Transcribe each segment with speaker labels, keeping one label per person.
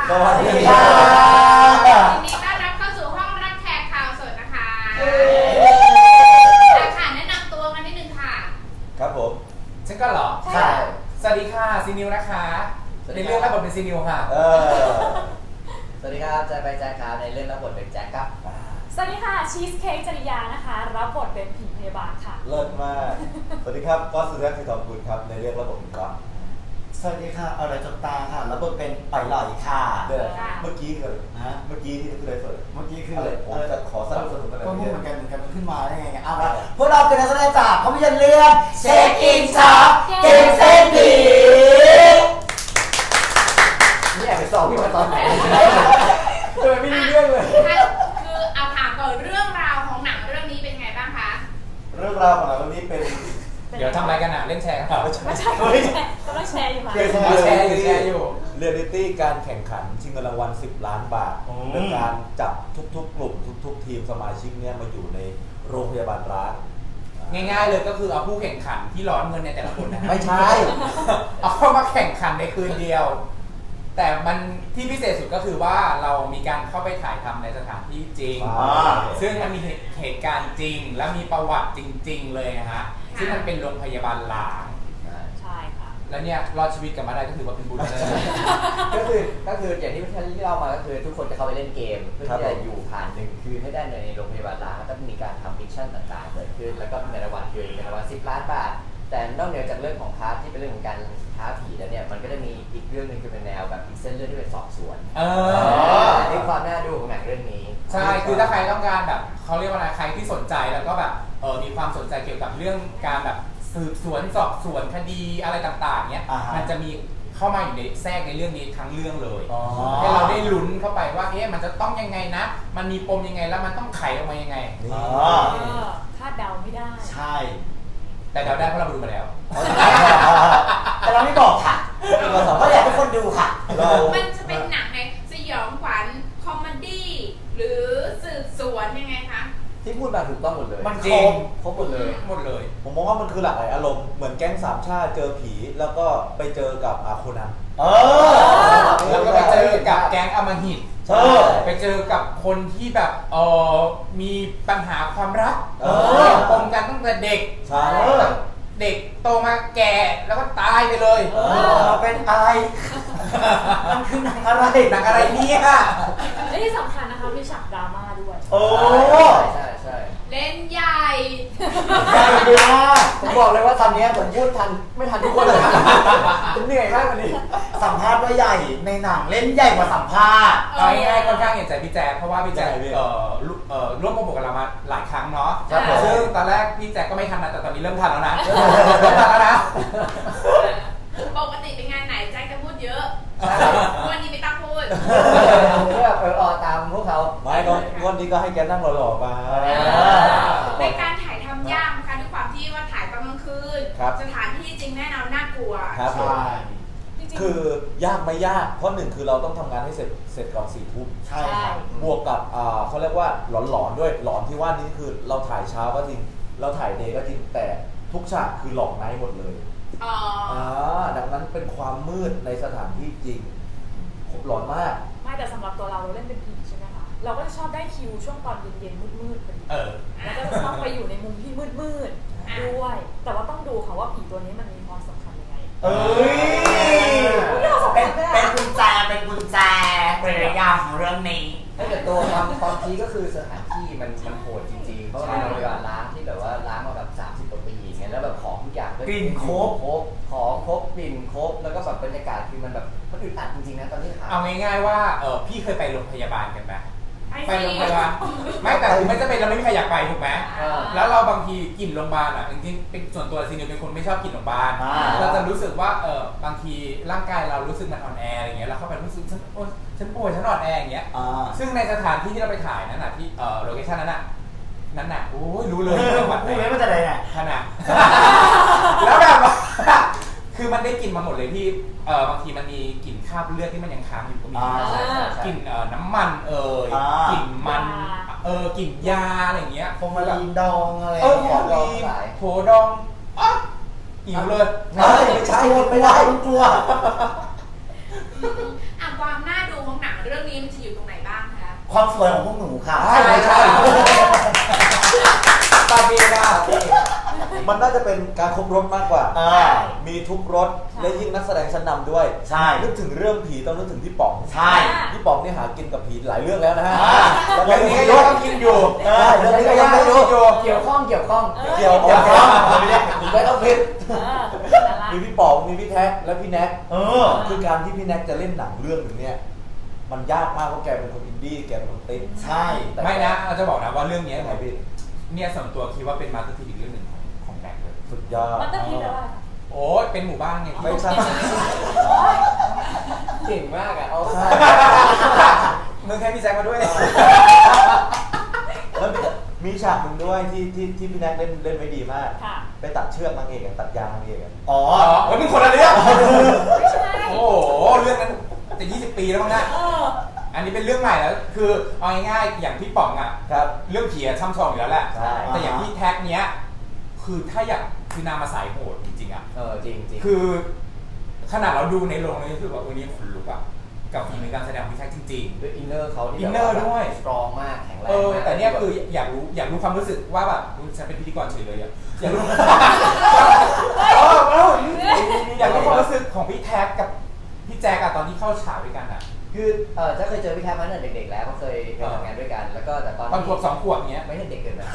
Speaker 1: สวัสดีค่ะ
Speaker 2: ยินดีต้อนรับเข้าสู่ห้องรับแขกข่าวสดนะคะค่ะแนะนำตัวกันนิดนึงค่ะ
Speaker 1: ครับผม
Speaker 3: ฉันก็เหรอ
Speaker 1: ใช่
Speaker 3: สวัสดีค่ะซีนิวนะคะในเรื่องรับบทเป็นซีนิวค่ะ
Speaker 4: สวัสดีครับแจ็คไปแจ็คครับในเรื่องรับบทเป็นแจ็คครับ
Speaker 5: สวัสดีค่ะชีสเค้กจริยานะคะรับบทเป็นผีพยาบาลค่ะ
Speaker 1: เลิศมากสวัสดีครับก็สุดแรกคือทองคุณครับในเรื่องระบบเป็นก๊อฟ
Speaker 6: สวัสดีค่ะอะไรจบตาค่ะแล้วบทเป็นปล่อยหล่อยค่ะ
Speaker 1: เมื่อกี้คือเมื่อกี้ที่คืออะไรสด
Speaker 6: เมื่อกี้คือ
Speaker 1: ผมจะขอสรุปกันเลย
Speaker 6: ก็พูดเหมือนกันขึ้นมาได้ไงเอาละพวกเราเป็นนักแสดงจากภาพยนตร์เรื่องเช็คอินช็อปเกมเส้นผี
Speaker 4: นี่แอบไปสอบพี่มาตอนไหน
Speaker 3: ไม่มีเรื่องเลย
Speaker 2: คือเอาถามก่อนเรื่องราวของหนังเรื่องนี้เป็นไงบ้างคะ
Speaker 1: เรื่องราวของหนังเรื่องนี้เป็น
Speaker 3: เดี๋ยวทำอะไรกันอ่ะเล่นแชร์กัน
Speaker 5: ไม่ใช่ก็ต้องแชร์อยู่ค่ะ
Speaker 3: แชร์อยู่
Speaker 1: เรียลลิตี้การแข่งขันชิงเงินรางวัล10 ล้านบาทโดยการจับทุกๆกลุ่มทุกๆทีมสมาชิกเนี่ยมาอยู่ในโรงพยาบาลร้าง
Speaker 3: ง่ายๆเลยก็คือเอาผู้แข่งขันที่ร้อนเงินในแต่ละคนนะ
Speaker 1: ไม่ใช่
Speaker 3: เอาเข้ามาแข่งขันในคืนเดียวแต่มันที่พิเศษสุดก็คือว่าเรามีการเข้าไปถ่ายทำในสถานที่จริงซึ่งมันมีเหตุการณ์จริงและมีประวัติจริงๆเลยนะฮะซึ่งมันเป็นโรงพยาบาลล้าง
Speaker 5: ใช่ค่ะ
Speaker 3: แล้วเนี่ยรอดชีวิตกลับมาได้ก็ถือว่าเป็นบุญเลย
Speaker 4: ก็คืออย่างที่เล่ามาก็คือทุกคนจะเข้าไปเล่นเกมเพื่อที่จะอยู่ผ่าน1 คืนให้ได้ในโรงพยาบาลล้างแล้วก็มีการทำมิชชั่นต่างๆเกิดขึ้นแล้วก็ในรางวัลคือในรางวัล10 ล้านบาทแต่นอกเหนือจากเรื่องของพาร์ทที่เป็นเรื่องของการท้าผีแล้วเนี่ยมันก็จะมีอีกเรื่องนึงคือเป็นแนวแบบอีกเส้นเรื่องที่เป็นสอบสวนนี่ความน่าดูของหนังเรื่องนี้
Speaker 3: ใช่คือถ้าใครต้องการแบบเขาเรียกว่าอะไรใครที่สนใจแล้วก็แบบมีความสนใจเกี่ยวกับเรื่องการแบบสืบสวนสอบสวนคดีอะไรต่างๆเนี้ยมันจะมีเข้ามาอยู่ในแทรกในเรื่องนี้ทั้งเรื่องเลยให้เราได้ลุ้นเข้าไปว่ามันจะต้องยังไงนะมันมีปมยังไงแล้วมันต้องไขออกมายังไง
Speaker 5: คาดเดาไม่ได้
Speaker 6: ใช่
Speaker 3: แต่เดาได้เพราะเราดูมาแล้ว
Speaker 6: แต่เราไม่บอกค่ะเพราะอยากให้คนดูค่ะ
Speaker 2: มันจะเป็นหนังในสยองขวัญคอมเมดี้หรือสืบสวนยังไงคะ
Speaker 4: ที่พูดมาถูกต้องหมดเลย
Speaker 3: มันจริง
Speaker 4: ครบหมดเลย
Speaker 1: ผมมองว่ามันคือหลากหลายอารมณ์เหมือนแก๊งสามชาติเจอผีแล้วก็ไปเจอกับโคนัน
Speaker 3: แล้วก็ไปเจอกับแก๊งอำมหิตไปเจอกับคนที่แบบมีปัญหาความรักปมกันตั้งแต่เด็กเด็กโตมาแก่แล้วก็ตายไปเลย
Speaker 6: เป็นอะไรมันคือหนังอะไร
Speaker 3: เนี่ย
Speaker 5: และที่สำคัญนะคะมีฉากดราม่าด้วย
Speaker 4: ใช่
Speaker 2: เล่นใหญ่
Speaker 4: ผมบอกเลยว่าตอนนี้ผมพูดทันไม่ทันทุกคนเลยผมเหนื่อยมากวันนี้
Speaker 6: สัมภาษณ์ว่าใหญ่ในหนังเล่นใหญ่กว่าสัมภาษณ์
Speaker 3: ง่ายๆค่อนข้างเห็นใจพี่แจ๊คเพราะว่าพี่แจ๊คร่วมโปรโมทกับเรามาหลายครั้งเนาะซึ่งตอนแรกพี่แจ๊คก็ไม่ทันนะแต่ตอนนี้เริ่มทันแล้วนะ
Speaker 2: ปกติเป็นงานไหนแจ็คจะพูดเยอะวันนี้ไม่ต้องพูด
Speaker 4: เพื่อตามพวกเขา
Speaker 1: ไม่ก็วันนี้ก็ให้แกนั่งหล่อๆมา
Speaker 2: ในการถ่ายทำยากนะคะด้วยความที่ว่าถ่ายตอนกลางคืนสถานที่จริงแน่นอนน่ากลัว
Speaker 1: ครับคือยากไม่ยากเพราะหนึ่งคือเราต้องทำงานให้เสร็จก่อน4 ทุ่ม
Speaker 6: ใช่
Speaker 1: บวกกับเขาเรียกว่าหลอนๆด้วยหลอนที่ว่านี้คือเราถ่ายเช้าก็จริงเราถ่ายเดย์ก็จริงแต่ทุกฉากคือหลอกไนท์หมดเลยดังนั้นเป็นความมืดในสถานที่จริงหลอนมาก
Speaker 5: ไม่แต่สำหรับตัวเราเล่นเป็นผีใช่ไหมคะเราก็จะชอบได้คิวช่วงตอนเย็นๆมืดๆพอดีแล้วก็จะชอบไปอยู่ในมุมที่มืดๆด้วยแต่ว่าต้องดูค่ะว่าผีตัวนี้มันมีความสำคัญยังไง
Speaker 6: เป็นกุญแจเป็นระยะของเรื่องนี้
Speaker 4: แต่ตัวความพีก็คือสถานที่มันโหดจริงๆเพราะว่าเราเวลาล้างที่แบบว่าล้างมาแบบ30 กว่าปีอย่างเงี้ยแล้วแบบของทุกอย่าง
Speaker 6: กลิ่นครบ
Speaker 4: ของครบกลิ่นครบแล้วก็แบบบรรยากาศคือมันแบบมันอึดอัดจริงๆนะตอนที่ถ่าย
Speaker 3: เอาง่ายๆว่าพี่เคยไปโรงพยาบาลกันไหมไปโรงพยาบาลไม่แต่ถึงไม่จะเป็นเราไม่มีใครอยากไปถูกไหมแล้วเราบางทีกลิ่นโรงพยาบาลจริงๆเป็นส่วนตัวซีนิวเป็นคนไม่ชอบกลิ่นโรงพยาบาลเราจะรู้สึกว่าบางทีร่างกายเรารู้สึกมันอ่อนแออะไรเงี้ยเราเข้าไปรู้สึกฉันป่วยฉันอ่อนแออย่างเงี้ยซึ่งในสถานที่ที่เราไปถ่ายนั้นที่โลเคชั่นนั้นโอ้ยรู้เลยจังหวัดไหน
Speaker 6: มันจะอะไรเนี่ย
Speaker 3: ขนาดแล้วแบบคือมันได้กลิ่นมาหมดเลยที่บางทีมันมีกลิ่นคราบเลือดที่มันยังค้างอยู่ก็มีกลิ่นน้ำมันกลิ่นมันกลิ่นยาอะไรเงี้ย
Speaker 6: ฟอร์มาลีนดองอะไร
Speaker 3: โถดองหิวเลย
Speaker 6: ไม่ใช่ไม่ได้กลัว
Speaker 2: ความน่าดูของหนังเรื่องนี้มันจะอยู่ตรงไหนบ้างคะ
Speaker 6: ความสวยของพวกหนูค่ะ
Speaker 3: ใช่ตาเบียร์
Speaker 1: มันน่าจะเป็นการครบรถมากกว่า มีทุกรถ
Speaker 5: ใช่
Speaker 1: และยิ่งนักแสดงชั้นนำด้วย
Speaker 6: ใช่
Speaker 1: นึกถึงเรื่องผีต้องนึกถึงพี่ป๋อง
Speaker 6: ใช่
Speaker 1: พี่ป๋องนี่หากินกับผีหลายเรื่องแล้วนะฮะ
Speaker 3: เรื่องนี้ก็ยังต้องกินอยู่
Speaker 1: เรื่องนี้ก็ยังไม่รู้
Speaker 4: เกี่ยวข้อง
Speaker 1: เกี่ยวกับ
Speaker 6: เกี่ยวกับ
Speaker 1: ไม่ต้องผิด
Speaker 5: นั่นแหละ
Speaker 1: มีพี่ป๋องมีพี่แท็กและพี่แน็ก
Speaker 6: คือ
Speaker 1: การที่พี่แน็กจะเล่นหนังเรื่องหนึ่งเนี่ยมันยากมากเพราะแกเป็นคนอินดี้แกเป็นคนติ๊ก
Speaker 6: ใช่
Speaker 3: ไม่นะเราจะบอกนะว่าเรื่องนี้
Speaker 1: ยังไงพี่
Speaker 3: เนี่ยส่วนตัวคิดว่าเป็นมาสเตอร์พีซอีกเรื่องหนึ่งของแบงค์เลย
Speaker 1: สุดยอด
Speaker 5: มันต้องคิดแล้วว่า
Speaker 3: โอ้ยเป็นหมู่บ้านไง
Speaker 1: ไม่ใช่
Speaker 4: เก่งมากอ่ะเอา
Speaker 1: ใช่
Speaker 3: มึงแค่พี่แจ็คมาด้วย
Speaker 1: แล้วมีฉากหนึ่งด้วยที่พี่แน็กเล่นไว้ดีมาก
Speaker 5: ค่ะ
Speaker 1: ไปตัดเชือกนางเอกตัดยางนางเอก
Speaker 6: อ๋อ
Speaker 3: เฮ้ยมึงคนละเรื่อง
Speaker 5: ไม่ใช่
Speaker 3: โอ้โหเรื่องนั้นจะ20 ปีแล้วมั้งนะ อันนี้เป็นเรื่องใหม่แล้วคือเอาง่ายๆอย่างพี่ป๋องอ่ะ
Speaker 1: ครับ
Speaker 3: เรื่องผีอะช่ำชองอยู่แล้วแหละ
Speaker 1: ใช่
Speaker 3: แต่อย่างพี่แท็กเนี้ยคือถ้าอยากคือนางมาสายโหดจริงๆอ่ะ
Speaker 4: จริงจริง
Speaker 3: คือขนาดเราดูในโรงเลยรู้สึกว่าวันนี้ขนลุกอ่ะกับฝีมือการแสดงของพี่แท็กจริง
Speaker 4: ด้วยอินเนอร์เขาที่
Speaker 3: อินเนอร์ด้วย
Speaker 4: สตรองมากแข็งแร
Speaker 3: ๆ
Speaker 4: งมาก
Speaker 3: แต่เนี่ยคืออยากรู้ความรู้สึกว่าแบบอุ๊ยฉันเป็นพิธีกรเฉยเลยอ่ะอยากรู้ อยากรู้ความรู้สึกของพี่แท็กกับพี่แจ็คอะตอนที่เข้าฉากด้วยกันอะ
Speaker 4: คือจะเคยเจอพี่แท็กมาตั้งแต่เด็กๆแล้วก็เคยทำงานด้วยกัน แล้วก็แต่ตอน
Speaker 3: ตอนขวบ2 ขวบเนี้ย
Speaker 4: ไม่ใช่เด็กเกินไป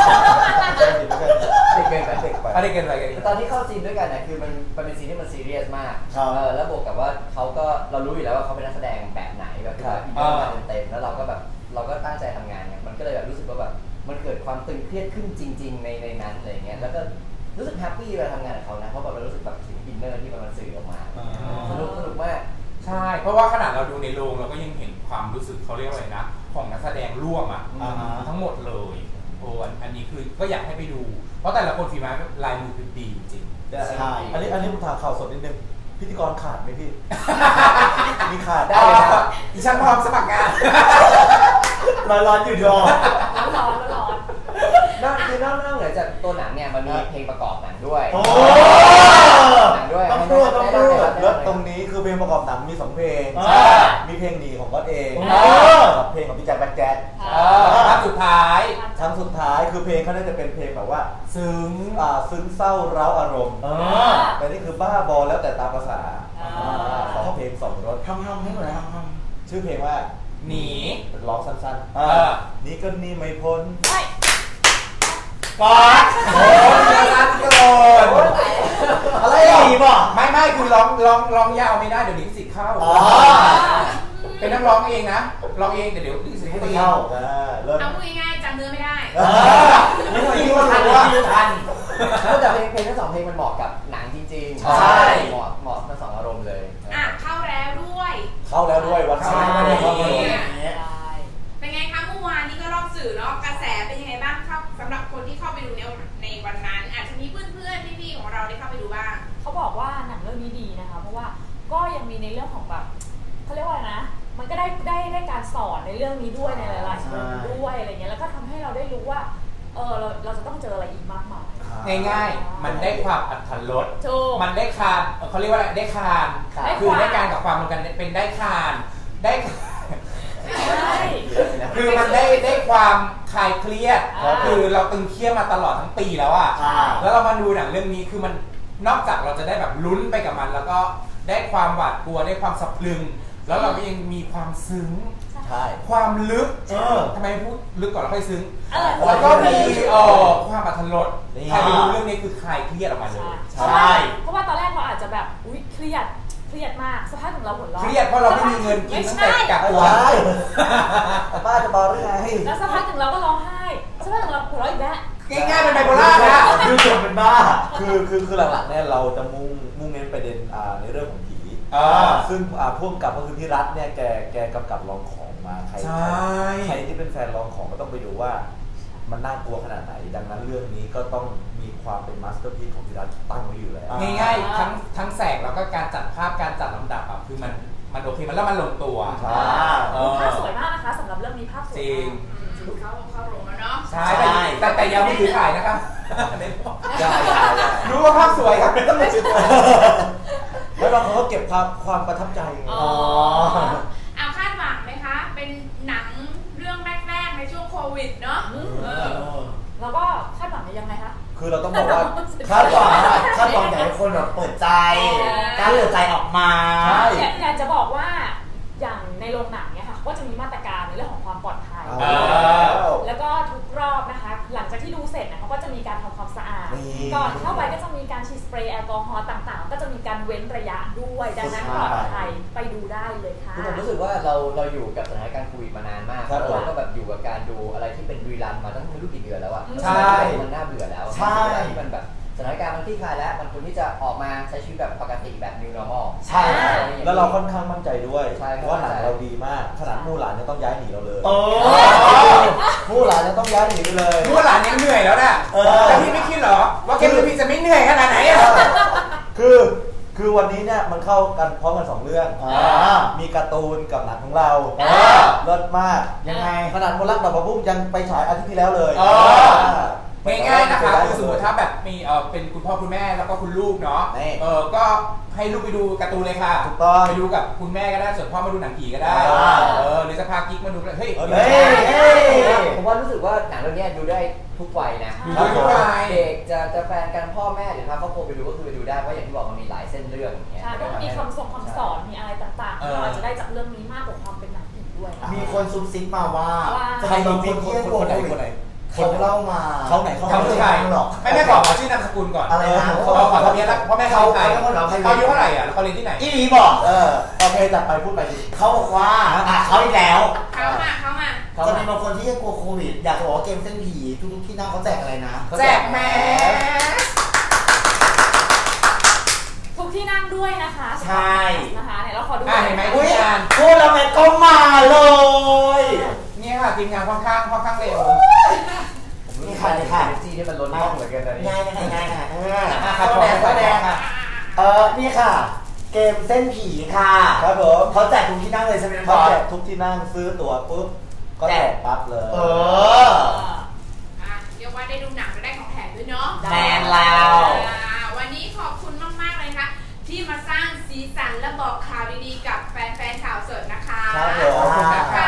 Speaker 1: เด็ก
Speaker 4: เด็กเกินไป
Speaker 1: เด็กไป
Speaker 3: อะไรกันอะไรกัน
Speaker 4: แต่ตอนที่เข้าซีนด้วยกันเนี่ยคือมันเป็นซีนที่มันซีเรียสมาก
Speaker 6: ครับ
Speaker 4: แล้วบวกกับว่าเขาก็เรารู้อยู่แล้วว่าเขาเป็นนักแสดงแบบไหนแบบคือแบบอินเนอร์มาเต็มๆแล้วเราก็แบบเราก็ตั้งใจทำงานเนี่ยมันก็เลยแบบรู้สึกว่าแบบมันเกิดความตึงเครียดขึ้นจริง ๆ ในนั้นอะไรเงี้ยแล้วก็รู้สึกแฮปปี้เวลาทำงานกับเขานะเพราะแบบเรารู้สึกแบบถึงอินเนอร์ที่มันสื่อออกมาสนุกมาก
Speaker 3: ใช่เพราะว่าขนาดเราดูในโรงเราก็ยังเห็นความรู้สึกเขาเรียกว่าอะไรนะของนักแสดงร่วมอะทั้งหมดเลยโอ้อันนี้คือก็อยากให้ไปดู เพราะแต่ละคนฝีไม้ลายมือคือดีจริง
Speaker 6: ใช่
Speaker 1: อันนี้ผมถามข่าวสดนิดนึงพิธีกรขาดไหมพี่ มีขาด
Speaker 3: ได้เลยครับดิฉันพร้อมสมัครงาน
Speaker 6: ร้อนอยู่ดอ
Speaker 5: ร้อน
Speaker 4: นอกเหนือจากตัวหนังเนี่ยมันมีเพลงประกอบหนังด้วย
Speaker 6: โอ้
Speaker 4: หนังด้วย
Speaker 6: ต้องพูด
Speaker 1: แล้วตรงนี้คือเพลงประกอบหนังมี2เพลง มีเพลงหนีของก๊อตเองกับเพลงของพี่แจ็คแบ็คแจ๊ด
Speaker 3: ภาพสุดท้าย
Speaker 1: ทั้งสุดท้ายคือเพลงเขาน่าจะเป็นเพลงแบบว่า
Speaker 3: ซึ้ง
Speaker 1: ซึ้งเศร้าเร้าอารมณ์
Speaker 6: เออ
Speaker 1: แต่นี่คือบ้าบอแล้วแต่ตามภาษาขอเพลง2รส
Speaker 6: ทำให้หน่อยทำ
Speaker 1: ชื่อเพลงว่า
Speaker 3: หนี
Speaker 1: เป็นร้องสั้น นี่ก็นี่ไม่พ้น
Speaker 6: ก่อน
Speaker 3: โอ้ยรักเกิน
Speaker 6: อะไรดีป่ะ
Speaker 3: ไม่คุณร้องยาวไม่ได้เดี๋ยวลิขสิทธิ์เข้า เป็นนักร้องเองนะร้องเองแต่เดี๋ยวลิขสิทธิ์ให้
Speaker 1: ไม่
Speaker 3: ตี
Speaker 1: เข้าเริ่ม
Speaker 2: เอาพูดง่ายๆจำเนื้อไม่ได้
Speaker 6: ไม่เคยคิดว่าทันว่าทัน
Speaker 4: แต่เพลงทั้ง2เพลงมันเหมาะกับหนังจริงๆ
Speaker 6: ใช่
Speaker 4: เหมาะทั้ง2อารมณ์เลย
Speaker 2: เข้าแล้วด้วย
Speaker 1: เข้าแล้วด้วยวัน
Speaker 3: ใช่
Speaker 1: เข้า
Speaker 2: ใช่
Speaker 1: แล้ว
Speaker 2: เป็นไงคะเมื่อวานนี้ก็รอบสื่อเนาะกระแสเป็นยังไงบ้างครับสำหรับคนที่เข้าไปดูในวันนั้น อาจจะมีเพื่อนๆพี่ๆของเราได้เข้าไปดูบ้าง
Speaker 5: เขาบอกว่าหนังเรื่องนี้ดีนะคะ เพราะว่าก็ยังมีในเรื่องของแบบเขาเรียกว่าอะไรนะ มันก็ได้การสอนในเรื่องนี้ด้วยในหลายๆมุมด้วยอะไรเงี้ยแล้วก็ทำให้เราได้รู้ว่าเราจะต้องเจออะไรอีกมากมาย
Speaker 3: ง่ายๆ มันได้ความอัตรส
Speaker 5: ถูก
Speaker 3: มันได้คานเขาเรียกว่าอะไรได้คาน คือได้การกับความรวมกันเป็นได้คานได้
Speaker 5: ใช่
Speaker 3: คือมันได้ความคลายเครียด คือเราตึงเครียดมาตลอดทั้งปีแล้วอะแล้วเรามาดูหนังเรื่องนี้คือมันนอกจากเราจะได้แบบลุ้นไปกับมัน แล้วก็ได้ความหวาดกลัวได้ความสะพรึง แล้วเราก็ยังมีความซึ้ง
Speaker 1: ใช่
Speaker 3: ความลึกทำไมพูดลึกก่อนแล้วค่อยซึ้ง
Speaker 5: เออ
Speaker 3: แล้วก็มีความอัตรสใครไปดูเรื่องนี้คือคลายเครียดออกมาเลย
Speaker 5: ใช่เพราะว่าตอนแรกเราอาจจะแบบอุ๊ยเครียดมากสักพักหนึ่งเราหัวเราะ
Speaker 3: เครียดเพราะเราไม่มีเงินกินตั้งแต่กักตัว
Speaker 1: ป้าจะบอกได้ไง
Speaker 5: แล้วสักพักหนึ่งเราก็ร้องไห้สักพักหนึ่งเราหัวเราะอีกแล้ว
Speaker 3: ง่ายๆเป็นไบโพล่านะ
Speaker 6: ดูจบเป็นบ้า
Speaker 1: คือหลักๆเนี่ยเราจะมุ่งเน้นประเด็นในเรื่องของผีซึ่งพ่วงกับก็คือพี่รัฐเนี่ยแกกำกับลองของมาใครที่เป็นแฟนลองของก็ต้องไปดูว่ามันน่ากลัวขนาดไหนดังนั้นเรื่องนี้ก็ต้องมีความเป็นมาสเตอร์พีซของพี่รัฐตั้งไว้อยู่แล้ว
Speaker 3: ง่ายๆทั้งแสงแล้วก็การจัดภาพการจัดลำดับอ่ะคือมันโอเคมันแล้วมันลงตัว
Speaker 5: ภาพสวยมากนะคะสำหรับเรื่องนี้ภาพสวย
Speaker 3: จริง
Speaker 2: เข้าโรงแล้วเนาะ
Speaker 3: ใช่แต่อยังไม่ถือถ่ายนะครับ
Speaker 1: ได้
Speaker 3: รู้ว่าภาพสวยครับไม่ต้องไปซื้อ
Speaker 1: แล้วบางคนก็เก็บความประทับใจ
Speaker 2: เอาคาดหวังวิดเนาะ
Speaker 5: แล้วก็คาดหวังยังไงคะ
Speaker 1: คือเราต้องบอกว่า
Speaker 6: คาดหวังอยากให้คนแบบเปิดใจกล้าเปิดใจออกมา
Speaker 1: ใช่
Speaker 5: อยากจะบอกว่าอย่างในโรงหนังเนี่ยค่ะก็จะมีมาตรการในเรื่องของความปลอดภัย แล้วก็ทุกรอบนะคะ หลังจากที่ดูเสร็จนะเขาก็จะมีการทำความสะอาด ก่อนเข้าไปก็จะมีการฉีดสเปรย์แอลกอฮอล์ต่างๆ ก็จะมีการเว้นระยะด้วย ดังนั้นปลอดภัยไปดูได้เลยค่ะ
Speaker 4: คือผมรู้สึกว่าเราอยู่กับสถานการณ์โควิดมานานมาก
Speaker 1: ครับ
Speaker 4: เราก็แบบอยู่กับการดูอะไรที่เป็นรีรันมาตั้งไม่รู้กี่เดือนแล้วอะ
Speaker 6: ใช่
Speaker 4: มันน่าเบื่อแล้ว
Speaker 6: ใช่
Speaker 4: ที่มันแบบสถานการณ์มันคลี่คลายแล้วมันควรที่จะออกมาใช้ชีวิตแบบปกติแบบ new normal
Speaker 6: ใช่
Speaker 1: แล้วเราค่อนข้างมั่นใจด้วย
Speaker 4: ใช่ครับ
Speaker 1: ว่าหนังเราดีมากขนาดมู่หลานยังต้องย้ายหนีเราเลย
Speaker 6: โอ้
Speaker 1: มู่หลานยังต้องย้ายหนีไปเลย
Speaker 3: ผู้หลานยังเหนื่อยแล้วน่ะแต่พี่ไม่คิดเหรอว่าเกมพีจะไม่เหนื่อยขนาดไหนอ่ะ
Speaker 1: คือวันนี้เนี่ยมันเข้ากันพร้อมกัน2เรื่องมีการ์ตูนกับหนังของเราเลิศมาก
Speaker 6: ยังไง
Speaker 1: ขนาดคนรักดอกประพุ่มยังไปฉายอาทิตย์ที่แล้วเลย
Speaker 3: ง่ายๆนะคะคือสมมติถ้าแบบมีเป็นคุณพ่อคุณแม่แล้วก็คุณลูกเนาะก็ให้ลูกไปดูการ์ตูนเลยค่ะ
Speaker 1: ถูกต้อง
Speaker 3: ไปดูกับคุณแม่ก็ได้ส่วนพ่อมาดูหนังผีก็ได้หรือจะพากิ๊กมาดูเฮ้ย
Speaker 4: ผมว่ารู้สึกว่าหนังเรื่องนี้ดูได้ทุกวัยนะ
Speaker 3: ดูได้ทุกวัย
Speaker 4: เด็กจะแฟนกันพ่อแม่หรือพาครอบครัวไปดูก็คือไปดูได้เพราะอย่างที่บอกมันมีหลายเส้นเรื่องอย่างเงี้ย
Speaker 5: ใช่ก็มีคำสอนมีอะไรต่างๆที่เราอาจจะได้จากเรื่องนี้มากกว่าความเป็นหนังผีด้วย
Speaker 6: มีคนซุบซิบมาว่า
Speaker 1: ใคร
Speaker 6: จะ
Speaker 1: มี
Speaker 6: มี
Speaker 1: ค
Speaker 6: คน
Speaker 1: น
Speaker 6: ที่
Speaker 1: คน
Speaker 6: กลัว
Speaker 1: คนไหน
Speaker 6: โควิ
Speaker 1: คน
Speaker 6: ด
Speaker 1: ไหน
Speaker 6: เขาเล่ามา
Speaker 1: เขาไหนเขา
Speaker 3: เขาคือใคร
Speaker 6: หรอก
Speaker 3: ไม่แม่บอกชื่อนามสกุลก่อน
Speaker 6: อะไรนะ
Speaker 3: เขาขอทะเบียนแล้วพ่อแม่เขาใคร
Speaker 6: เขาเป็นคนเราใคร
Speaker 3: เขาอายุเท่าไหร่อ่ะแล้วเขาเรียนที่ไหน
Speaker 6: อีหลีบอก
Speaker 1: โอเคจัดไปพูดไปดิ
Speaker 6: เขาบอกว่าเขาอีกแล้ว
Speaker 2: เข้ามา
Speaker 6: จะมีบางคนที่กลัวโควิดอยากจะบอกว่าเกมเส้นผีทุกๆที่นั่งเขาแจกอะไรนะ
Speaker 3: แจกแมส
Speaker 5: ทุกที่นั่งด้วยนะคะ
Speaker 6: ใช่
Speaker 5: นะคะเนี่ยเราขอดู
Speaker 3: เห็นไหม
Speaker 6: อุ้ย
Speaker 3: ทีมงาน
Speaker 6: พูดแล้วแม่ก็มาเลย
Speaker 3: เนี่ยค่ะทีมงานค่อนข้างเร็ว
Speaker 4: นี่ค่ะนี่ค่ะซีที่มันล้นห้องเหมือนกันตอนนี้
Speaker 6: ง่ายนะ
Speaker 3: ครับ
Speaker 6: เขาแดงอ่ะนี่ค่ะ เกมเส้นผีค่ะ
Speaker 1: ครับผม
Speaker 6: เขาแจกทุกที่นั่งเลยใช่ไหมบ
Speaker 1: เขา
Speaker 6: อส
Speaker 1: แจกทุกที่นั่งซื้อตั๋วปุ๊บก็แจกปั๊บเลย
Speaker 2: เรียกว่าได้ดูหนังและได้ของแถมด้วยเนาะ
Speaker 6: แมนแล้ว
Speaker 2: วันนี้ขอบคุณมากๆเลยค่ะที่มาสร้างสีสันและบอกข่าวดีๆกับแฟนๆข่าวสดนะคะ
Speaker 1: ครับผม
Speaker 3: ขอบคุณนะคะ